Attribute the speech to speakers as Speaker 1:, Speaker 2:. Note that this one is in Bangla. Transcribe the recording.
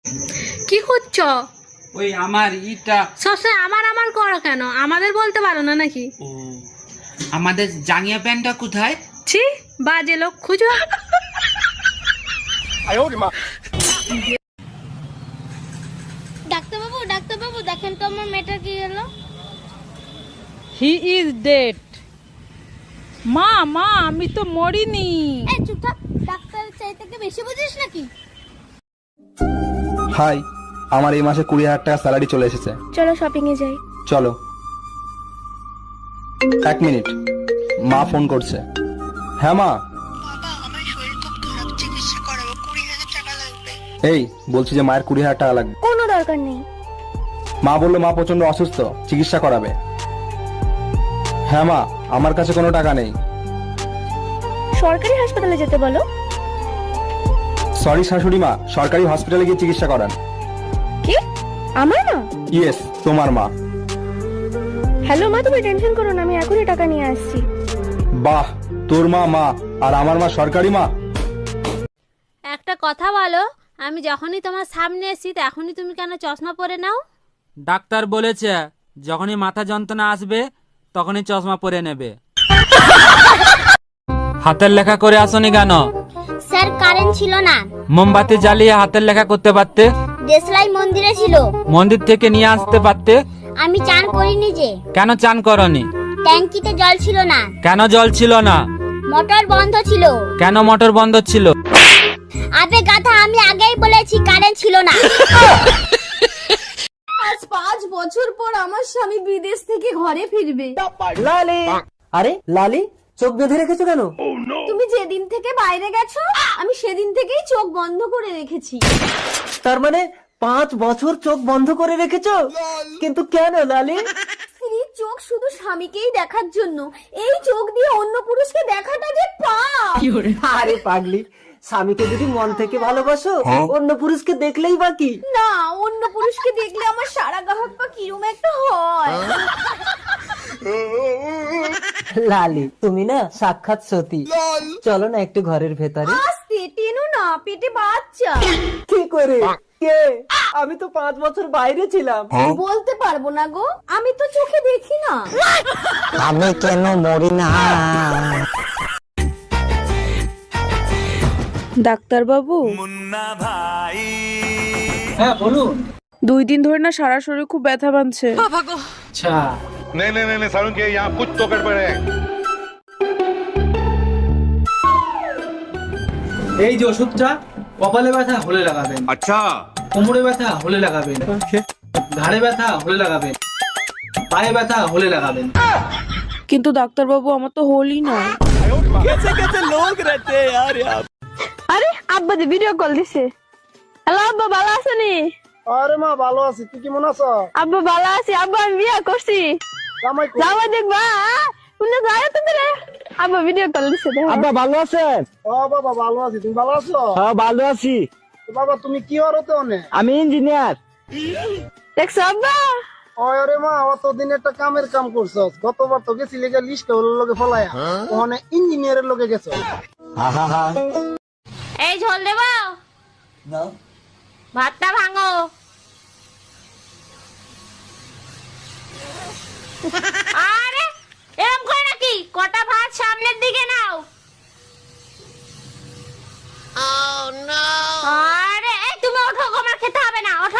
Speaker 1: কি করছো?
Speaker 2: ওই আমার ইটা
Speaker 1: সবসময় আমার আমার করো কেন? আমাদের বলতে পারো না নাকি?
Speaker 2: ও আমাদের জাঙ্গিয়া প্যান্টটা কোথায়?
Speaker 1: ছি, বাজে লোক খুঁজো।
Speaker 3: ডাক্তারবাবু ডাক্তারবাবু দেখেন তো আমার মেয়েটার কি হলো।
Speaker 4: He is dead. মা মা আমি তো মরিনি।
Speaker 3: এই চুপ থাক, ডাক্তারের চাইতে কি বেশি বুঝিস নাকি?
Speaker 5: হাই, আমার এই মাসে 20,000 টাকা স্যালারি চলে এসেছে।
Speaker 3: চলো শপিং এ যাই।
Speaker 5: চলো। 1 মিনিট, মা ফোন করছে। হ্যাঁ মা।
Speaker 6: বাবা, আমার শরীর খুব খারাপ, চিকিৎসা করাবো, 20,000 টাকা লাগবে।
Speaker 5: এই বলছি যে মায়ের 20,000 টাকা লাগবে।
Speaker 3: কোনো দরকার নেই।
Speaker 5: মা বললো মা প্রচন্ড অসুস্থ, চিকিৎসা করাবে। হ্যাঁ মা, আমার কাছে কোনো টাকা নেই।
Speaker 3: সরকারি হাসপাতালে যেতে বলো।
Speaker 5: সরি শাশুড়ি মা, সরকারি হসপিটালে গিয়ে চিকিৎসা করান।
Speaker 3: কি? আমার মা?
Speaker 5: ইয়েস, তোমার মা।
Speaker 3: হ্যালো মা, তুমি টেনশন করো না, আমি এখনই টাকা নিয়ে আসছি।
Speaker 5: বাহ, তোর মা মা আর আমার মা সরকারি মা।
Speaker 7: একটা কথা বলো, আমি যখনই তোমার সামনে এসি তখনই তুমি কেন চশমা পরে নাও?
Speaker 2: ডাক্তার বলেছে যখনই মাথা যন্ত্রণা আসবে তখনই চশমা পরে নেবে। হাতের লেখা করে আসনি কেন?
Speaker 3: স্যার কারেন্ট ছিল না।
Speaker 2: মোমবাতি জ্বালিয়ে হাতের লেখা করতে পারতে।
Speaker 3: দেশলাই মন্দিরে ছিল।
Speaker 2: মন্দির থেকে নিয়ে আসতে পারতে।
Speaker 3: আমি চান করিনি যে।
Speaker 2: কেন চান করনি?
Speaker 3: ট্যাঙ্কিতে জল ছিল না।
Speaker 2: কেন জল ছিল না?
Speaker 3: মোটর বন্ধ ছিল।
Speaker 2: কেন মোটর বন্ধ ছিল?
Speaker 3: আবে গাধা, আমি আগেই বলেছি কারেন্ট ছিল না।
Speaker 8: আজ 5 বছর পর আমার স্বামী বিদেশ থেকে ঘরে ফিরবে।
Speaker 9: লালি, আরে লালি চোখ বেঁধে রেখেছো কেন?
Speaker 8: তুমি যেদিন থেকে বাইরে গেছো আমি সেদিন থেকেই চোখ বন্ধ করে রেখেছি।
Speaker 9: তার মানে 5 বছর চোখ বন্ধ করে রেখেছো? কিন্তু কেন লালি?
Speaker 8: স্ত্রীর চোখ শুধু স্বামীকেই দেখার জন্য, এই চোখ দিয়ে অন্য পুরুষকে দেখাটা যে পাপ।
Speaker 9: আরে পাগলি, স্বামীকে যদি মন থেকে ভালোবাসো অন্য পুরুষকে দেখলেই বাকি।
Speaker 8: না, অন্য পুরুষকে দেখলে আমার সারা গাহক পা কিরম একটা হয়।
Speaker 9: লালি তুমি না সাক্ষাৎ সতী। চলো না একটু ঘরের ভেতরে।
Speaker 8: আস্তে টেনো না, পেটে বাচ্চা।
Speaker 9: কি করে? কে? আমি তো 5 বছর বাইরে ছিলাম।
Speaker 8: বলতে পারবো না গো, আমি তো চোখে দেখি না।
Speaker 9: আমি কেন মরি না?
Speaker 4: ডাক্তার বাবু।
Speaker 9: হ্যাঁ বলুন।
Speaker 4: 2 দিন ধরে না সারা শরীর খুব ব্যথা বানছে।
Speaker 9: আচ্ছা
Speaker 10: नहीं नहीं नहीं सारुण के यहाँ कुछ तो गड़बड़ है।
Speaker 11: এই যে ওষুধটা কপালে ব্যথা হলে লাগাবেন।
Speaker 10: अच्छा,
Speaker 11: কোমরে ব্যথা হলে লাগাবেন। ঘাড়ে ব্যথা হলে লাগাবেন। পায়ে ব্যথা হলে লাগাবেন।
Speaker 4: কিন্তু ডাক্তার বাবু আমার তো হলই নয়।
Speaker 8: আরে আব্বা যে ভিডিও কল দিছে। হ্যালো আব্বা, ভালো আছেনি?
Speaker 9: আরে মা ভালো আছি, তুই কেমন আছো?
Speaker 8: আব্বা ভালো আছি, আব্বা আমি বিয়ে করছি। জামাই দেখবা শুনে যায় তো রে। আব্বা ভিডিও কল দিছে।
Speaker 9: আব্বা ভালো আছেন? ও বাবা ভালো আছি, তুমি ভালো আছো? হ্যাঁ ভালো আছি। বাবা তুমি কি হরতে অনে? আমি ইঞ্জিনিয়ার।
Speaker 8: দেখছো আব্বা?
Speaker 9: আরে মা অতদিন একটা কামের কাম করছস, গতবার তো গেছি লেগে লিস্ট হলো লগে ফলায়া, ওখানে ইঞ্জিনিয়ারের লগে গেছো।
Speaker 7: এই ঝোল দেবো,
Speaker 9: দাও।
Speaker 7: ভাতটা ভাঙো। আরে এরকম করে নাকি? কটা ভাত সামনের দিকে নাও। আরে এই তুমি ওঠো, আমার খেতে হবে না, ওঠো।